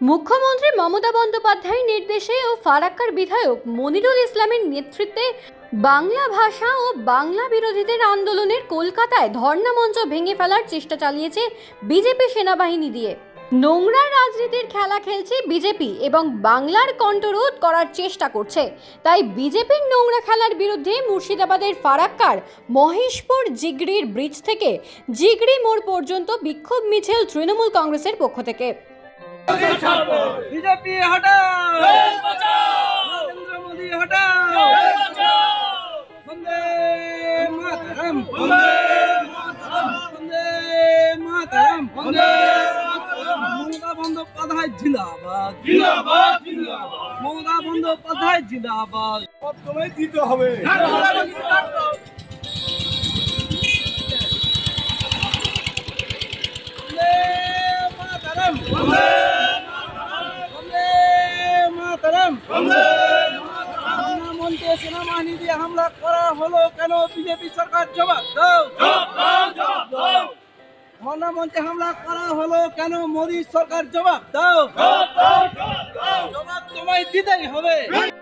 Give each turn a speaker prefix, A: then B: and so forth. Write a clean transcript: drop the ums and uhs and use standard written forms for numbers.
A: মুখ্যমন্ত্রী মমতা বন্দ্যোপাধ্যায়ের নির্দেশে ও ফারাক্কার বিধায়ক মনিরুল ইসলামের নেতৃত্বে বাংলা ভাষা ও বাংলা বিরোধীদের আন্দোলনের কলকাতায় ধর্ণা মঞ্চ ভেঙে ফেলার চেষ্টা চালিয়েছে বিজেপি সেনাবাহিনী দিয়ে। নোংরা রাজনীতির খেলা খেলছে বিজেপি এবং বাংলার কণ্ঠরোধ করার চেষ্টা করছে। তাই বিজেপির নোংরা খেলার বিরুদ্ধে মুর্শিদাবাদের ফারাক্কার মহেশপুর জিগড়ির ব্রিজ থেকে জিগড়ি মোড় পর্যন্ত বিক্ষোভ মিছিল তৃণমূল কংগ্রেসের পক্ষ থেকে।
B: बीजेपी हटाओ, नरेंद्र मोदी हटाओ, वंदे मातरम, वंदे मातरम, ममता बंदोपाध्याय जिंदाबाद, जिंदाबाद, जिंदाबाद, ममता बंदोपाध्याय जिंदाबाद। अब तुम्हें जीते হবে। সেনাবাহিনী দিয়ে হামলা করা হলো কেন? বিজেপি সরকার জবাব দাও। ধর্ণা মঞ্চে হামলা করা হলো কেন? মোদী সরকার জবাব দাও। জবাব তোমায় দিতেই হবে।